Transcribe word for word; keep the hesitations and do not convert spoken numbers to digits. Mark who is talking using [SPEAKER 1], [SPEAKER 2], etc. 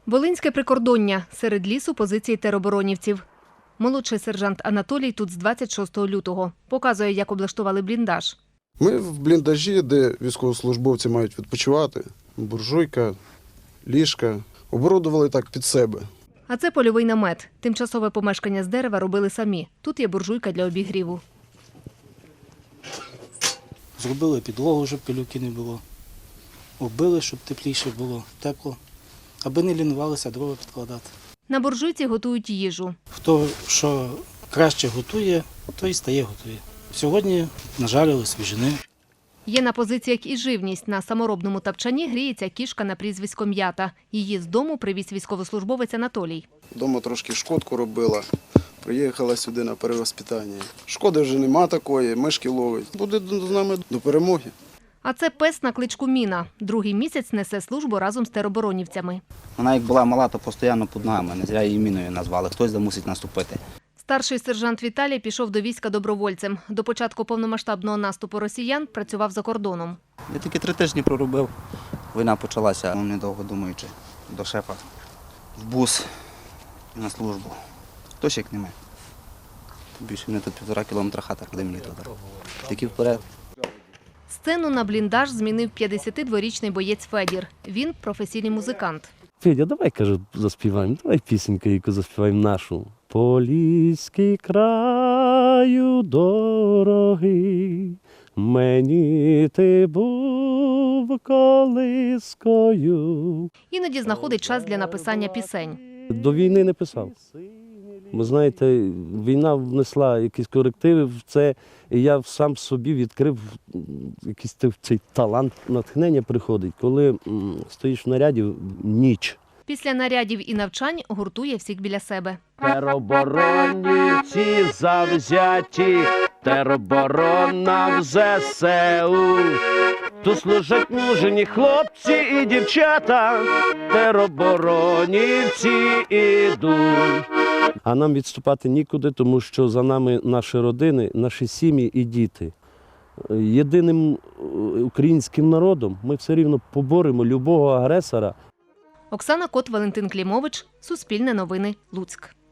[SPEAKER 1] Волинське прикордоння. Серед лісу позиції тероборонівців. Молодший сержант Анатолій тут з двадцять шостого лютого. Показує, як облаштували бліндаж.
[SPEAKER 2] Ми в бліндажі, де військовослужбовці мають відпочивати. Буржуйка, ліжка. Оборудували так під себе.
[SPEAKER 1] А це польовий намет. Тимчасове помешкання з дерева робили самі. Тут є буржуйка для обігріву.
[SPEAKER 3] Зробили підлогу, щоб пилюки не було. Оббили, щоб тепліше було, тепло. Аби не лінувалися дрова підкладати.
[SPEAKER 1] На буржуйці готують їжу.
[SPEAKER 3] Хто що краще готує, той стає готує. Сьогодні нажарили свіжини.
[SPEAKER 1] Є на позиціях і живність. На саморобному тапчані гріється кішка на прізвисько М'ята. Її з дому привіз військовослужбовець Анатолій.
[SPEAKER 2] Дома трошки шкодку робила. Приїхала сюди на перевоспитання. Шкоди вже нема такої, мишки ловить. Буде з нами до перемоги.
[SPEAKER 1] А це пес на кличку Міна. Другий місяць несе службу разом з тероборонівцями.
[SPEAKER 4] Вона як була мала, то постійно під ногами. Не зря її Міною назвали. Хтось мусить наступити.
[SPEAKER 1] Старший сержант Віталій пішов до війська добровольцем. До початку повномасштабного наступу росіян працював за кордоном.
[SPEAKER 4] Я тільки три тижні проробив. Війна почалася, недовго думаючи, до шефа. В бус на службу. Хтось як не ми. Більше мене тут півтора кілометра хата, куди мені туди. Тільки вперед.
[SPEAKER 1] Сцену на бліндаж змінив п'ятдесятидворічний боєць Федір. Він професійний музикант.
[SPEAKER 5] Федя, давай, кажу, заспіваємо, давай пісеньку, яку заспіваємо нашу. Поліський краю дорогий, мені ти був колискою.
[SPEAKER 1] Іноді знаходить час для написання пісень.
[SPEAKER 5] До війни не писав. Ви знаєте, війна внесла якісь корективи в це, і я сам собі відкрив якийсь цей талант, натхнення приходить, коли м, стоїш в наряді ніч.
[SPEAKER 1] Після нарядів і навчань гуртує всіх біля себе.
[SPEAKER 5] Тероборонівці завзяті, тероборона в зе се у. Тут служать мужені хлопці і дівчата, тероборонівці ідуть. А нам відступати нікуди, тому що за нами наші родини, наші сім'ї і діти. Єдиним українським народом ми все рівно поборемо любого агресора.
[SPEAKER 1] Оксана Кот, Валентин Клімович, Суспільне новини, Луцьк.